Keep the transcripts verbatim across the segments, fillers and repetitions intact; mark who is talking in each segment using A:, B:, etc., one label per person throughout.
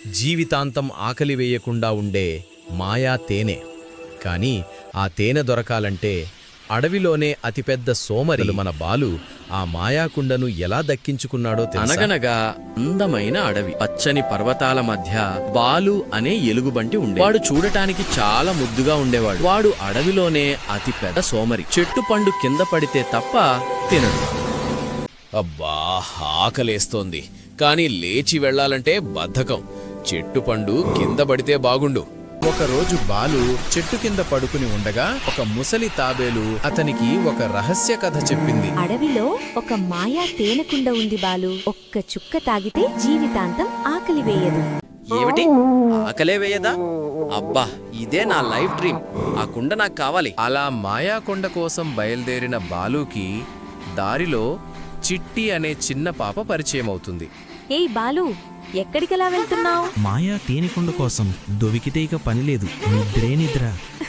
A: జీవితాంతం ఆకలి వేయకుండా ఉండే మాయా తేనె. కాని ఆ తేనె దొరకాలంటే అడవిలోనే అతిపెద్ద సోమరి మన బాలు ఆ మాయాకుండను ఎలా దక్కించుకున్నాడో తెలుసా?
B: అనగనగా అందమైన అడవి, పచ్చని పర్వతాల మధ్య బాలు అనే ఎలుగుబంటి ఉండే. వాడు చూడటానికి చాలా ముద్దుగా ఉండేవాడు. వాడు అడవిలోనే అతి పెద్ద సోమరి. చెట్టు పండు కింద పడితే తప్ప తినడు.
C: అబ్బా, ఆకలేస్తోంది, కాని లేచి వెళ్లాలంటే బద్ధకం. చెట్టు పండు కింద పడితే బాగుండు.
D: ఒకరోజు బాలు చెట్టు కింద పడుకుని ఉండగా ఒక ముసలి తాబేలు అతనికి ఒక రహస్య కథ చెప్పింది.
E: అడవిలో ఒక మాయా తేనెకుండ ఉంది బాలు. ఒక్క చుక్క తాగితే జీవితాంతం ఆకలి వేయదు.
B: ఏమిటి, ఆకలే వేయదా? అబ్బా, ఇదే నా లైఫ్ డ్రీమ్. ఆ కుండ నాకు కావాలి.
D: అలా మాయాకొండ కోసం బయలుదేరిన బాలుకి దారిలో చిట్టి అనే చిన్న పాప పరిచయం అవుతుంది.
E: ఏయ్ బాలు, ఎక్కడికలా వెళ్తున్నావు?
F: మాయా తేనెకొండ కోసం దొవికితే ఇక పనిలేదు, నిద్రే నిద్ర.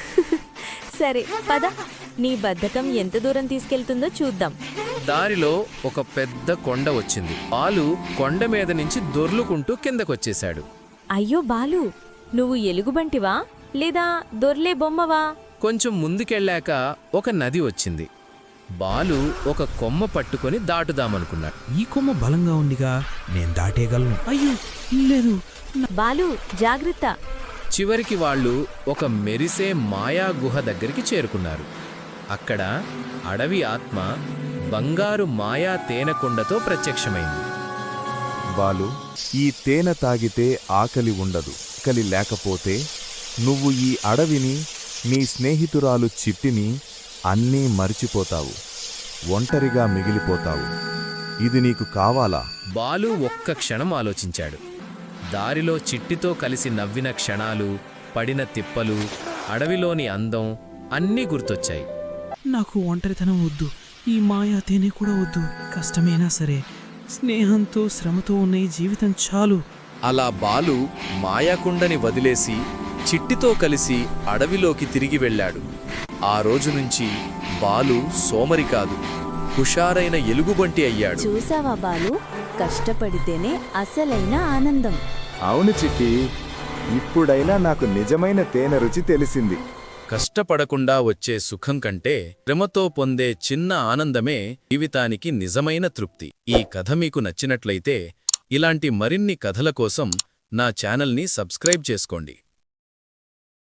E: సరే పద, నీ బద్ధకం ఎంత దూరం తీసుకెళ్తుందో చూద్దాం.
D: దారిలో ఒక పెద్ద కొండ వచ్చింది. బాలు కొండ మీద నుంచి దొర్లుకుంటూ కిందకొచ్చేశాడు.
E: అయ్యో బాలు, నువ్వు ఎలుగుబంటివా లేదా దొర్లే బొమ్మవా?
D: కొంచెం ముందుకెళ్ళాక ఒక నది వచ్చింది. బాలు ఒక కొమ్మ పట్టుకొని దాటుదామనుకున్నాడు.
F: ఈ కొమ్మ బలంగా ఉందిగా, నేను దాటేయగలను. అయ్యో లేదు.
E: బాలు జాగ్రత్త.
D: చివరికి వాళ్ళు ఒక మెరిసే మాయా గుహ దగ్గరికి చేరుకున్నారు. అక్కడ అడవి ఆత్మ బంగారు మాయా తేనెకొండతో ప్రత్యక్షమైంది.
G: బాలు, ఈ తేనె తాగితే ఆకలి ఉండదు. ఆకలి లేకపోతే నువ్వు ఈ అడవిని, నీ స్నేహితురాలు చిట్టిని అన్నీ మరిచిపోతావు. ఒంటరిగా మిగిలిపోతావు. ఇది నీకు కావాలా?
D: బాలు ఒక్క క్షణం ఆలోచించాడు. దారిలో చిట్టితో కలిసి నవ్విన క్షణాలు, పడిన తిప్పలు, అడవిలోని అందం అన్నీ గుర్తొచ్చాయి.
F: నాకు ఒంటరితనం వద్దు, ఈ మాయా తేనె కూడా వద్దు. కష్టమైనా సరే స్నేహంతో శ్రమతో ఉన్న ఈ జీవితం చాలు.
C: అలా బాలు మాయాకుండని వదిలేసి చిట్టితో కలిసి అడవిలోకి తిరిగి వెళ్ళాడు. ఆ రోజు నుంచి బాలు సోమరి కాదు, హుషారైన ఎలుగుబంటి అయ్యాడు.
E: చూసావా బాలు, కష్టపడితేనే అసలైన ఆనందం.
G: అవును చిట్టి, ఇప్పుడైనా నాకు నిజమైన తేనె రుచి తెలిసింది.
A: కష్టపడకుండా వచ్చే సుఖం కంటే శ్రమతో పొందే చిన్న ఆనందమే జీవితానికి నిజమైన తృప్తి. ఈ కథ మీకు నచ్చినట్లయితే ఇలాంటి మరిన్ని కథల కోసం నా ఛానల్ని సబ్స్క్రైబ్ చేసుకోండి.